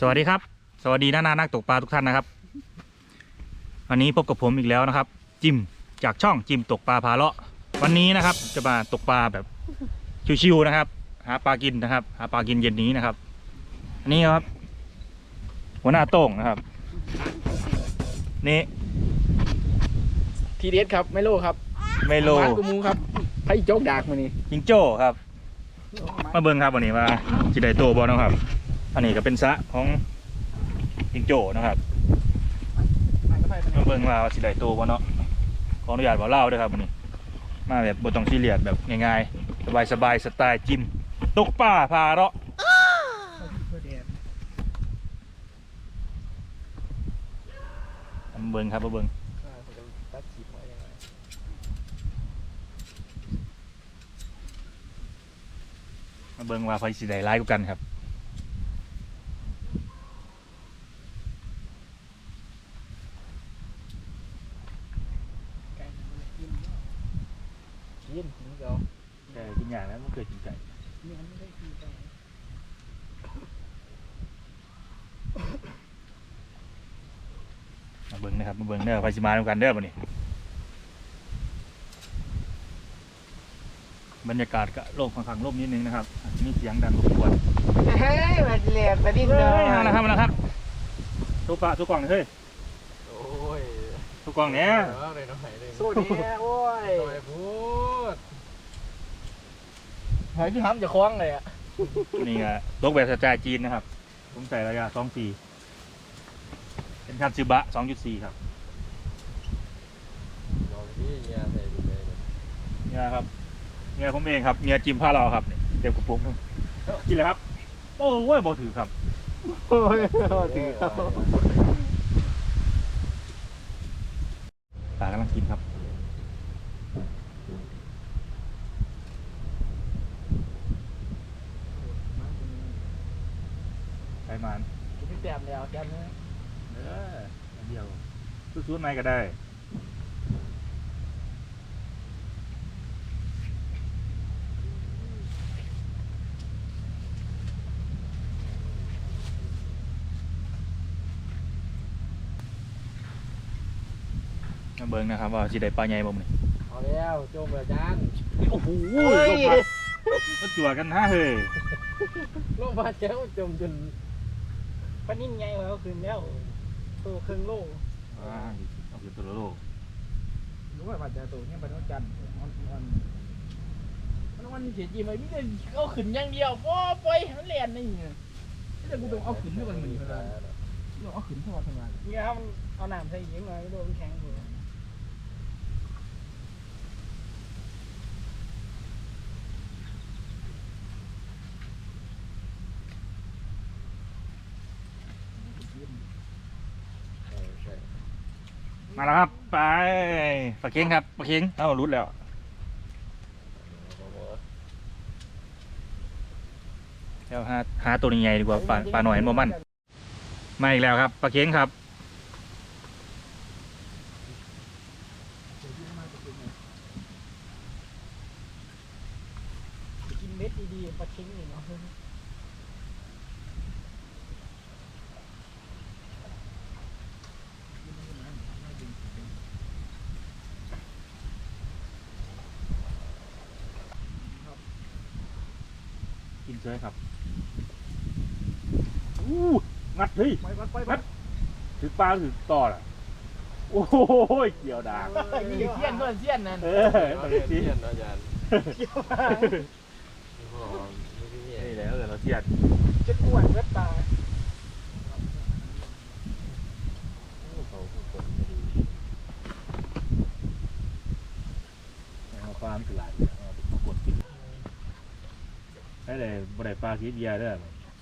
วัสดีครับสวัสดีนักตกปลาทุกท่านนะครับวันนี้พบกับผมอีกแล้วนะครับจิมจากช่องจิมตกปลาพาเลาะวันนี้นะครับจะมาตกปลาแบบชิวๆนะครับหาปลากินนะครับหาปลากินเย็นนี้นะครับอันนี้ครับหัวหน้าโต้งนะครับนี่ทีเด็ดครับไมโลครับไมโลกูมูครับไพ่โจ๊กดากมานี่จิงโจ้ครับมาเบิ้งครับวันนี้ว่าจิได้โตบอลนะครับอันนี้ก็เป็นสระของจิงโจ้นะครับมาเบิ้งว่าจิได้โตบอลเนาะขออนุญาตบอกเล่าด้วยครับวันนี้มาแบบบทต้องซีเรียสแบบง่ายๆสบายๆสไตล์จิมตกปลาพาเลาะมาเบิ้งครับมาเบิ้งมาเบิ่งว่าไฟสีใดร้ายกว่ากันครับกินเดี๋ยวแต่กินอย่างนั้นมันเกิดกินไก่มาเบิ่งนะครับมาเบิ่งเด้อไฟสีมาด้วยกันเด้อวันนี้บรรยากาศก็โล่งค่อนข้างโล่งนิดนึงนะครับมีเสียงดังรบกวนเฮ้ยมาเลียดมาดิ้นเลยนะครับทุกปะทุกกล่องเฮ้ยโอ้ยทุกกล่องเนี้ยสู้เนี่ยโอ้ยพูดหายพี่ห้ำจะคล้องเลยอ่ะนี่ไงตกแบบสไตล์จีนนะครับผมใส่ระยะ2.4เป็นคันซึบะ 2.4 ครับเนี่ยครับเมียผมเองครับเมียจิมผ้าเราครับเต็มกระปุกกินเลยครับโอ้ยบอถือครับโอ้ยถือครับตากำลังกินครับไปมันพี่แต้มแล้วแก้มเนื้อเดียวซื้อๆไหนก็ได้เบิ้งนะครับว่าสิได้ปลาใหญ่บ่มื้อนี้เอาแล้วโจมแบบจานโอ้โหลงมาจั่วกันฮะเฮ้ยลงมาแก้วจมจนปนิ่งไงวะก็คืนแล้วตัวครึ่งโลเอาคือตัวโลรู้ว่าปัจจัยตัวนี้เป็นวันจันทร์วันเสียจีไหมพี่จะเอาขึ้นอย่างเดียวปล่อยมันเลียนนี่แต่กูต้องเอาขึ้นด้วยกันเหมือนกันต้องเอาขึ้นเท่าไหร่เนี่ยครับเอาหนามใส่ยิงมาโดนแข็งหัวมาแล้วครับไปปลาเค็งครับปลาเค็งเอารุดแล้วเดี๋ยวหาตัวใหญ่ดีกว่าปลาหน่อยเห็นบ่มันมาอีกแล้วครับปลาเค็งครับกินเม็ดดีๆปลาเค็งนี่เนาะกินเฉยครับงัดเฮ้ยงัดถือปลาถือต่อล่ะโอ้ยเกี่ยวดากเสี้ยนเพื่อนเสี้ยนนั่นเสี้ยนอาจารย์นี่แล้วเดี๋ยวเราเสี้ยนจะกวนเวทตาปลาไม่เป็นไรกดกินได้เลยบดปลาสีเดียด้วย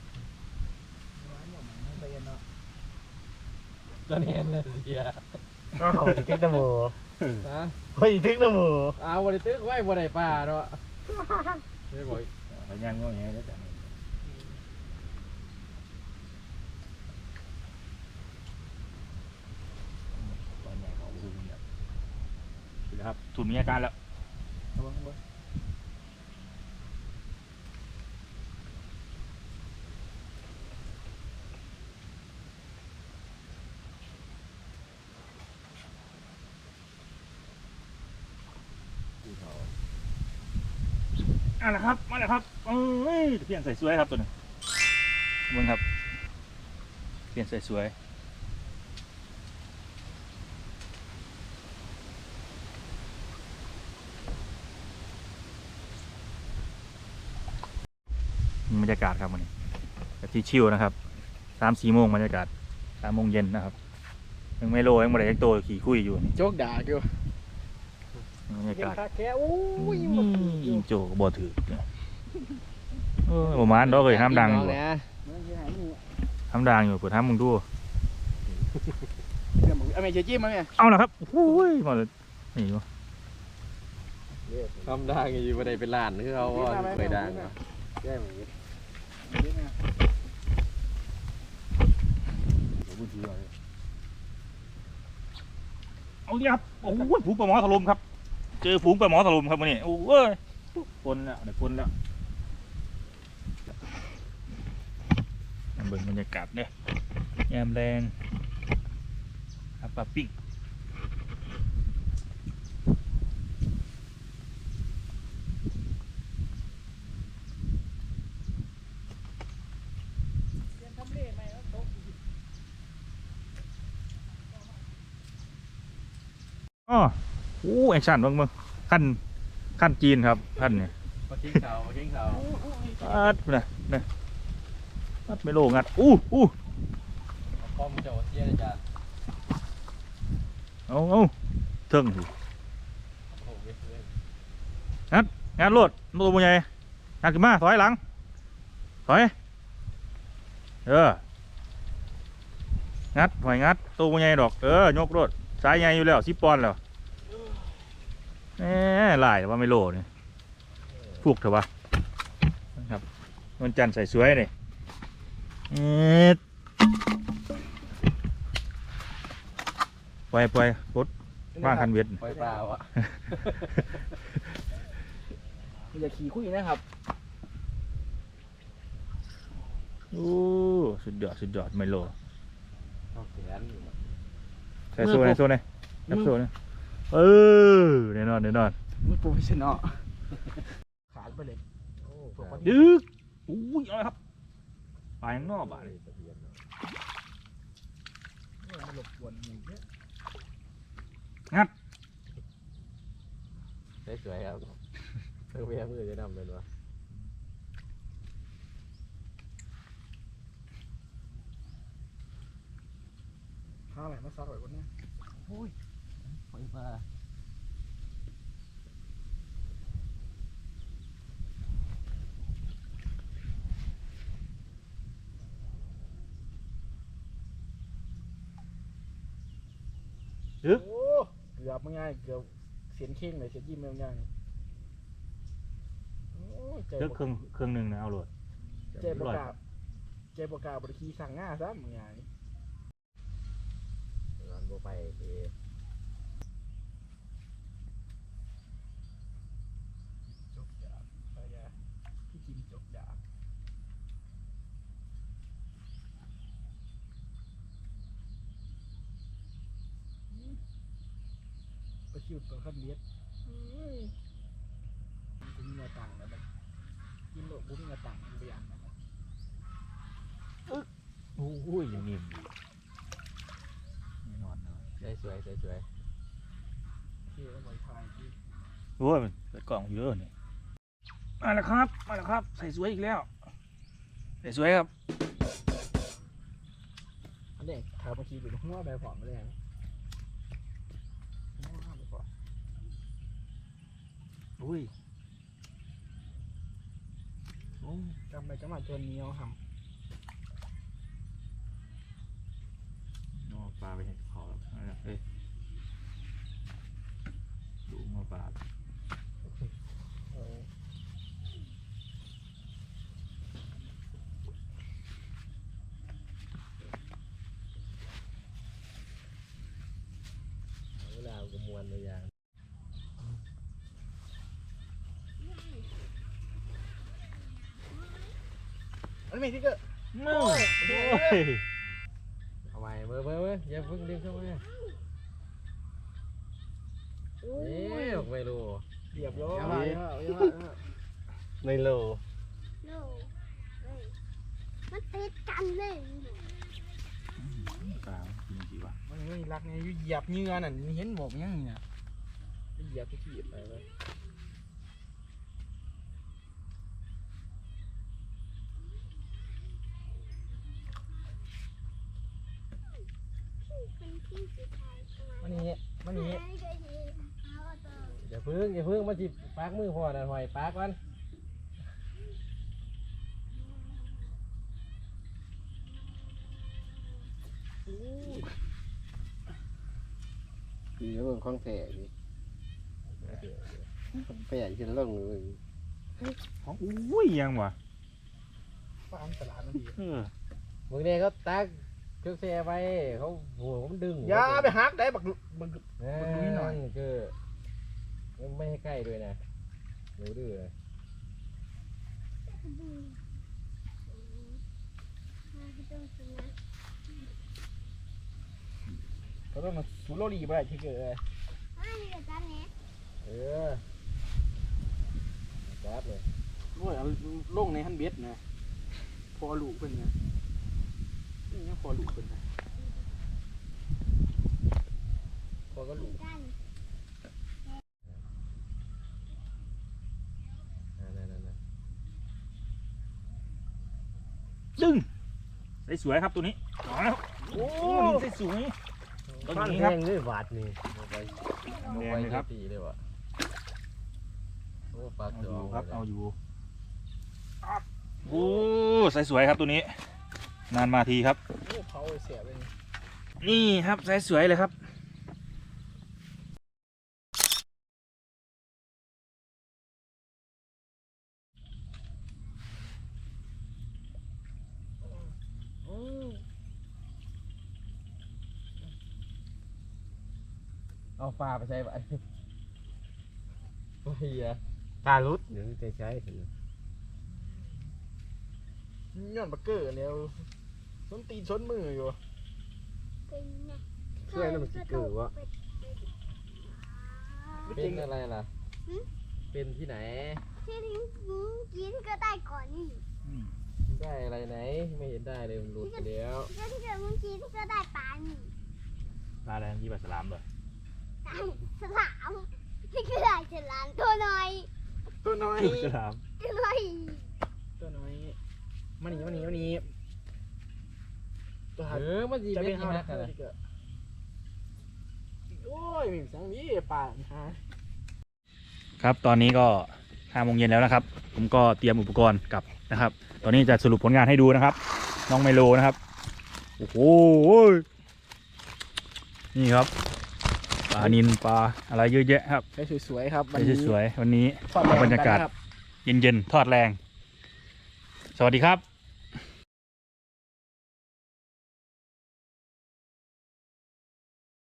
ก็เนียนเลยเดียก็ขอทึกตะโมเฮ้ยทึกตะโมบริตึกไว้บริปลาเนาะไม่บ่อยไปย่างก็อย่างนี้แล้วจ้ะตอนใหญ่เขาดูเนี่ยครับถุนมีอาการแล้วมาแล้วครับมาแล้วครับเอ้ยเปลี่ยนใส่สวยครับตัวนึงเบิ่งครับเปลี่ยนใส่สวยบรรยากาศครับวันนี้แบบที่ชิลนะครับ3-4 โมงบรรยากาศ3 โมงเย็นนะครับยังไม่โลยังไม่ได้ยังโตขี่คุยอยู่นี่โจกด่าอยู่บรรยากาศแค่โอ้ยอิงโจก็บ่ถือประมาณดอกเลยห้ามดังอยู่ห้ามดังอยู่เปิดห้ามมึงดูเอาแม่เชี่ยจิ้มมาแม่เอาละครับโอ้ยมาเลยนี่วะทำได้อยู่บ่ได้เป็นล้านคือเขาว่าเคยดังแก้มอย่างนี้เอาดิครับโอ้ยฝูงปลาหมอถล่มครับเจอฝูงปลาหมอถล่มครับวันนี้โอ้ยปนแล้วเดี๋ยวปนแล้วเบิ่งบรรยากาศเนี่ยยามแรงครับปลาปิ้งอ๋อโอ้แอคชั่นเบิ่งขั้นจีนครับขั้นเนี่ยมาทิ้งเขามาทิ้งเขาอัดเนี่ยอัดไม่โลงัดอู้ป้อมเจ้าเสียอาจารย์เอาเทิงสิโอ้โหงานโลดตัวมันใหญ่งานขึ้นมาถอยหลังถอยงัดถอยงัดตัวมันใหญ่ดอกยกโลดสายใหญ่อยู่แล้ว10 ปอนด์แล้วหลายแต่ว่าไม่โลเนี่ยพวกเถอะวะครับมันจันทร์ใส่สวยเลยปล่อยรถว่างคันเวทปล่อยปลาวะอย่าขี่คุยนะครับโอ้สุดยอดไม่โลเอาแขนอยู่ใส่โซ่ในนับโซ่เนี่ยแน่นอนมึงโปรเฟชชั่นอลขาดไปเลยดึกอุ้ยอะไรครับปลายังนอกบ่าเลยมันหลบกวนหมูเยอะสวยครับเพื่อเมียมือจะนำเป็นวะข้าวอะไรมาซักไว้คนนี้โอ้ยปล่อยปลาโอ้เกือบไม่ง่ายเกือบเสียนเข่งเลยเสียนยิ้มไม่ง่ายโอ้ยใจเลือกเครื่องหนึ่งนะเอาโหลดใจประกาศบริคีสั่งง่าซะมึงไงร้อนโบไปเอจบดาบไปยาพี่จิมจบดาบไปชิวตัวขั้นเลียดกูมีเงินตังค์แล้วมันกินโลกกูมีเงินตังค์กูไปอย่างนั้นโอ้ยยังนิ่มอยู่แน่นอนเลยสวยที่เอาไว้ทายที่โอ้ยมันเปิดกล่องเยอะเนี่ยมาแล้วครับใส่สวยอีกแล้วใส่สวยครับอันนี้ถามเมื่อกี้เป็นหัวแบบผอมไม่ได้ไหมหัวแบบผอมอุ้ยจำไปจำมาจนเหนียวทน้องปลาไปเห็นเขาแล้วเอ้ยดูมาปลาเวลาก็มวนเลยอย่างำอันนี้ที่เกิดโอ้ยเอาใหม่เมื่ออย่าเพิ่งดึงเข้ามาเอ๊ะไม่รู้เรียบร้อยในโลโน่เอ้ยมันติดกันเลยปลาจริงๆวะมันไม่รักเนี่ยอยู่เหยียบเหงื่อนั่นเห็นบอกยังนี่นะเหยียบทุกทีไปเลยคนที่สุดท้ายประมาณมันนี้มันนี้ไม่เคยเห็นเขาตัวอย่าเพิ่งมาจิปากมือพ่อนะหอยปากมันคือเรื่องของแท้นี่แปะขึ้นลงเลยอุ้ยยังวะฟาร์มตลาดมันดีเออมึงเนี่ยเขาตักเครื่องแช่ไปเขาหัวมันดึงอย่าไปหักได้บักบักดูนิดหน่อยคือไม่ให้ใกล้ด้วยนะหนูดื้อนะดูต้องกินนะเขาต้องมาสูโรลีไปได้ที่เกิดเลยนี่กับจันเนี่ยเออจับเลยโอ้ยเอาลงในฮันเบ็ดนะพอลูกเพิ่นนะนี่ยังพอลูกเพิ่นนะพอก็ลูกจันนั่นดึงได้สวยครับตัวนี้เอาแล้วโอ้นี่ได้สวย ต้นนี้ครับแห้งด้วยหวาดนี่เอาไปแดงเลยครับตีเลยวะโอ้ปลาเอาเขีอยวยู่ครับเอาอยู่โอ้ใส่สวยครับตัวนี้ นานมาทีครับโอ้เขาเสียไปนี่นี่ครับใส่สวยเลยครับเอาปลาไปใช้ปะโอ้ยปลาลุดเดี๋ยวจะใช้ถึงย้อนบักเกอร์แล้วส้นตีนส้นมืออยู่เป็นไงเพื่อนนั่นมันกี่เกิดวะเป็นอะไรล่ะเป็นที่ไหนที่ทิ้งกินก็ได้ก่อนนี่ได้อะไรไหนไม่เห็นได้เลยมันหลุดไปแล้วที่เกิดมึงกินก็ได้ปลานี่ปลาแดงยี่ปลาสลามเลยตามสลามที่เกิดได้ฉลามตัวน้อยตัวน้อยสลามตัวน้อยตัวน้อยมันนี่ตัวหักมันจีจะเป็เป็น นที่ห้านักกักัน นเลยโอ้ยมีสังนี้ป่าฮะครับตอนนี้ก็5 โมงเย็นแล้วนะครับ ผมก็เตรียมอุปกรณ์กลับนะครับ ตอนนี้จะสรุปผลงานให้ดูนะครับ น้องไมโลนะครับโอ้โหนี่ครับปลานิลปลาอะไรเยอะแยะครับได้สวยๆครับไปสวยๆวันนี้ทอดแรงบรรยากาศนครับเย็นๆทอดแรง สวัสดีครับ